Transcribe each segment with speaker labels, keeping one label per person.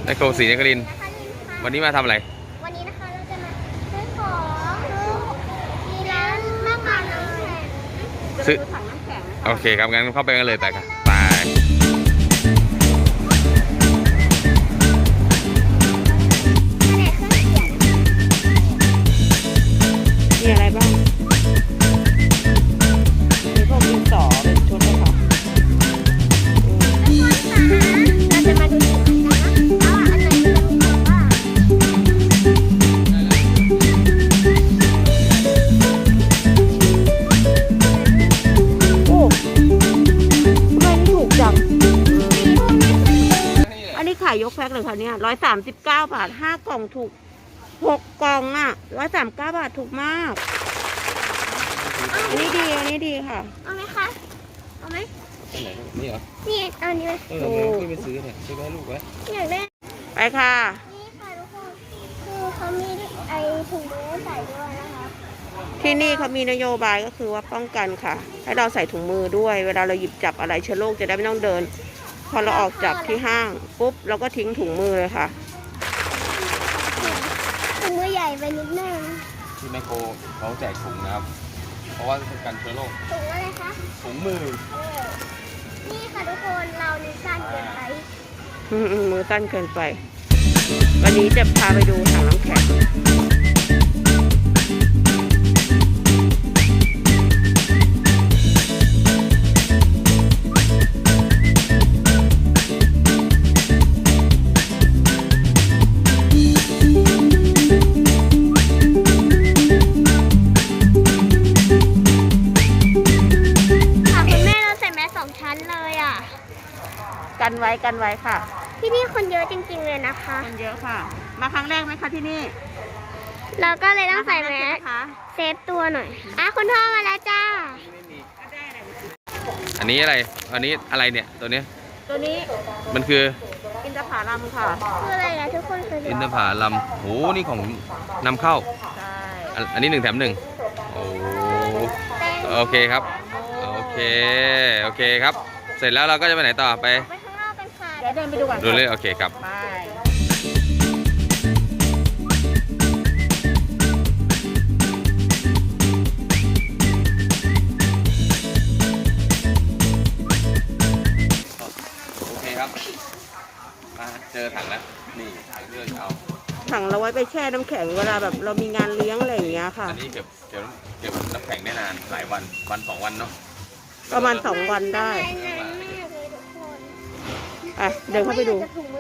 Speaker 1: นโครศรีนครินทร์วันนี้มาทำอะไร
Speaker 2: วันนี้นะคะเราจะมาซื้อของมีร้านมากมายน้ำแข็ง
Speaker 1: ซื้อ
Speaker 2: ถังน้ำแข็ง
Speaker 1: โอเคครับงั้นเข้าไปกันเลยไปครับไป
Speaker 3: มีอะไรบ้างมีพวกดินสอเป็นชุดเลยค่ะ
Speaker 2: เราจะมาดูกันนะว่าอันไหนจะมีแบบว่า
Speaker 3: โอ้ทำไมนี่ถูกจังอันนี้ขายยกแพ็คเลยค่ะเนี่ย139 บาท5 กล่องถูก6 กล่องอ่ะ139 บาทถูกมากอันนี้ดีค่ะ
Speaker 2: เอาไหมคะเอาไหม
Speaker 1: ไหนนี่เหรอ
Speaker 2: นี่เอาอันนี้ไหม
Speaker 1: ไปซื้อเนี่ยซื้อให้ลูกไว้
Speaker 2: อยากได้
Speaker 3: ไปค่ะ
Speaker 2: นี่ค่ะทุกคนคือเขามีไอถุงมือใส่ด้วยนะคะ
Speaker 3: ที่นี่เขามีนโยบายก็คือว่าป้องกันค่ะให้เราใส่ถุงมือด้วยเวลาเราหยิบจับอะไรเชื้อโรคจะได้ไม่ต้องเดินพอเราออกจากที่ห้างปุ๊บเราก็ทิ้งถุงมือเลยค่ะ
Speaker 2: ถุงมือใหญ่ไปนิดนึง
Speaker 1: ที่แมคโครเขาแจกถุงนะครับเพราะว่าเป็นการเชื้อโรค
Speaker 2: ถุงอะไรคะ
Speaker 1: ถุงมือ
Speaker 2: นี่ค่ะทุกคนเรานิ้วสั้นเกินไป
Speaker 3: มือสั้นเกินไปวันนี้จะพาไปดูถังน้ำแข็งกันไว้ค่ะ
Speaker 2: ที่นี่คนเยอะจริงๆเลยนะคะ
Speaker 3: คนเยอะค่ะมาครั้งแรกไหมคะที่นี่
Speaker 2: เราก็เลยต้องใส่แมสเซฟตัวหน่อยคุณพ่อมาแล้วจ้า
Speaker 1: อันนี้อะไรเนี่ยตัวนี้มันคือ
Speaker 3: อินทผลัมค่ะ
Speaker 2: คืออะไรอะทุกคน
Speaker 1: อินทผลัมโหนี่ของนำเข้า
Speaker 3: ใช่
Speaker 1: อันนี้1 แถม 1โอ้โอเคครับโอเคครับเสร็จแล้วเราก็จะไปไหนต่อไป
Speaker 3: เดี๋ยวเดินไปดูก่อน
Speaker 1: ดูเลยโอเคครับ
Speaker 3: ไป
Speaker 1: โอเคครับเจอถังแล้วนี่ถังที่เราจะเอา
Speaker 3: ถังเราไว้ไปแช่น้ำแข็งเวลาแบบเรามีงานเลี้ยงอะไรอย่างเงี้ยค่ะ
Speaker 1: อันนี้เก็บน้ำแข็งได้นานหลายวัน2 วันเนาะ
Speaker 3: ประมาณ2 วันได้เดินเข้าไปดู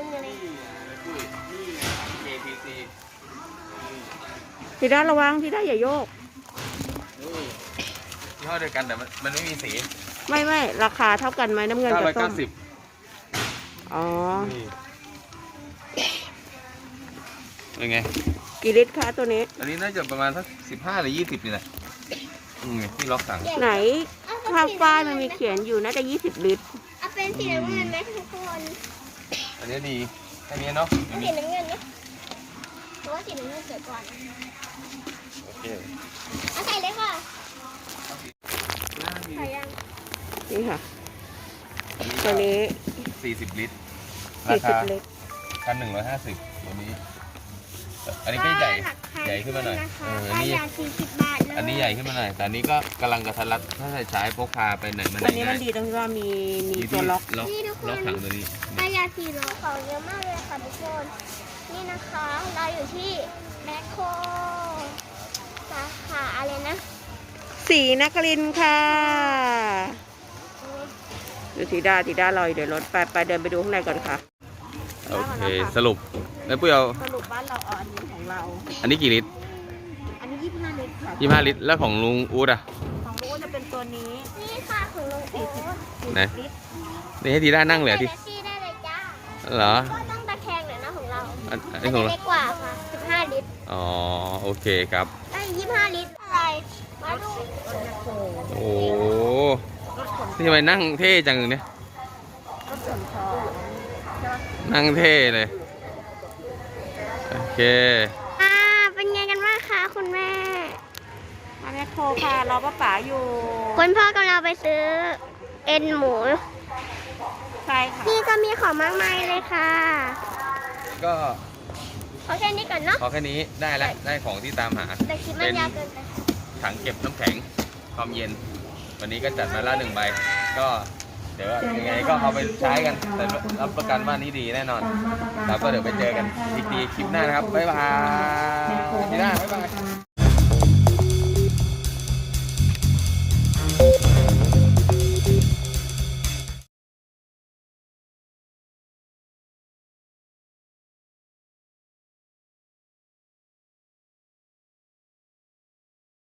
Speaker 3: พี่ด้าระวังพี่ด้าอย่าโยก
Speaker 1: ยี่ห้อเดียวกันแต่มันไม่มีสี
Speaker 3: ไม่ราคาเท่ากันไหมน้ำเงินกับส้มอ๋อ
Speaker 1: เป็นไง
Speaker 3: กี่ลิตรคะตัวนี้
Speaker 1: อันนี้น่าจะประมาณสัก15 หรือ 20นี่แหละที่ล็อกสั่ง
Speaker 3: ไหนภาพป้ายมันมีเขียนอยู่น่าจะ20 ลิตร
Speaker 2: เป็นสีน้ำเงินไหมทุกคน
Speaker 1: อันนี้ดีแค่นี้เนาะ
Speaker 2: สีน้ำเงินไหมเพราะว่าสีน้ำเงินสวยกว่า
Speaker 1: โอเค
Speaker 2: ใส่เลยค่ะใส่ยัง
Speaker 3: นี่ค่ะตัวนี้
Speaker 1: 40 ลิตรราคา1,150ตัวนี้อันนี้ก็ใหญ่ขึ้นมาหน่อยอันนี้
Speaker 2: 40 บาทเลย
Speaker 1: อันนี้ใหญ่ขึ้นมาหน่อยแต่อันนี้ก็กำลังกระทัดรัดถ้าใช้พกพาไปไหนมาไหน
Speaker 3: อันนี้มันดีตรงที่ว่ามีตัวล็อก
Speaker 1: ถังตัวนี้
Speaker 2: ปลายาสีโลของเยอะมากเลยค่ะทุกคนนี่นะคะเราอยู่ที่แมคโครสาขาอะไรนะ
Speaker 3: ศรีนครินทร์ค่ะดูทีด้าลอยเดี๋ยวรถไปเดินไปดูข้างในก่อนค่ะ
Speaker 1: โอเคสรุปแล้วปุ้ยเอา
Speaker 3: สรุปบ้านเราอันนี้ของเรา
Speaker 1: อันนี้กี่ลิตร
Speaker 2: อันนี้25 ลิตรค่ะ
Speaker 1: 25 ลิตรแล้วของลุงอู๊ดอะ
Speaker 3: ของลุงอู๊ดจะเป็นตัวนี้
Speaker 2: นี่ค่ะของลุงอู๊ด
Speaker 1: ไหนนี่ให้ทีด้านั่งเลยที่
Speaker 2: ได้เลยจ้า
Speaker 1: เหรอ
Speaker 2: ก็ต้องตะแคงหน่อยนะของเรา
Speaker 1: อันนี้ของเรา
Speaker 2: เล็กกว่าค่ะ15 ลิตร
Speaker 1: อ๋อโอเคครับ
Speaker 2: ได้25 ลิตรอะไรมาดู
Speaker 1: โอ้นี่ทำไมนั่งเท่จังเนี่ยนั่งเท่เลยโอเค
Speaker 2: เป็นไงกันบ้างคะคุณแม่
Speaker 3: มาแมคโครค่ะรอป้าอยู่
Speaker 2: คุณพ่อกำลังไปซื้อเอ็นหมู
Speaker 3: ใช่ค่ะ
Speaker 2: นี่ก็มีของมากมายเลยค่ะ
Speaker 1: ก็
Speaker 2: ขอแค่นี้ก่อนเนาะ
Speaker 1: พอแค่นี้ได้แล้วได้ของที่ตามหา
Speaker 2: แต่คลิปมันยาวเกินไป
Speaker 1: ถังเก็บน้ำแข็งความเย็น วันนี้ก็จัดมาละ1 ใบก็เดี๋ยวยังไงก็เอาไปใช้กันแต่รับประกันว่านี้ดีแน่นอนแล้วก็เดี๋ยวไปเจอกันอีกทีคลิปหน้านะครับบ๊ายบายทีหน้าบ๊ายบาย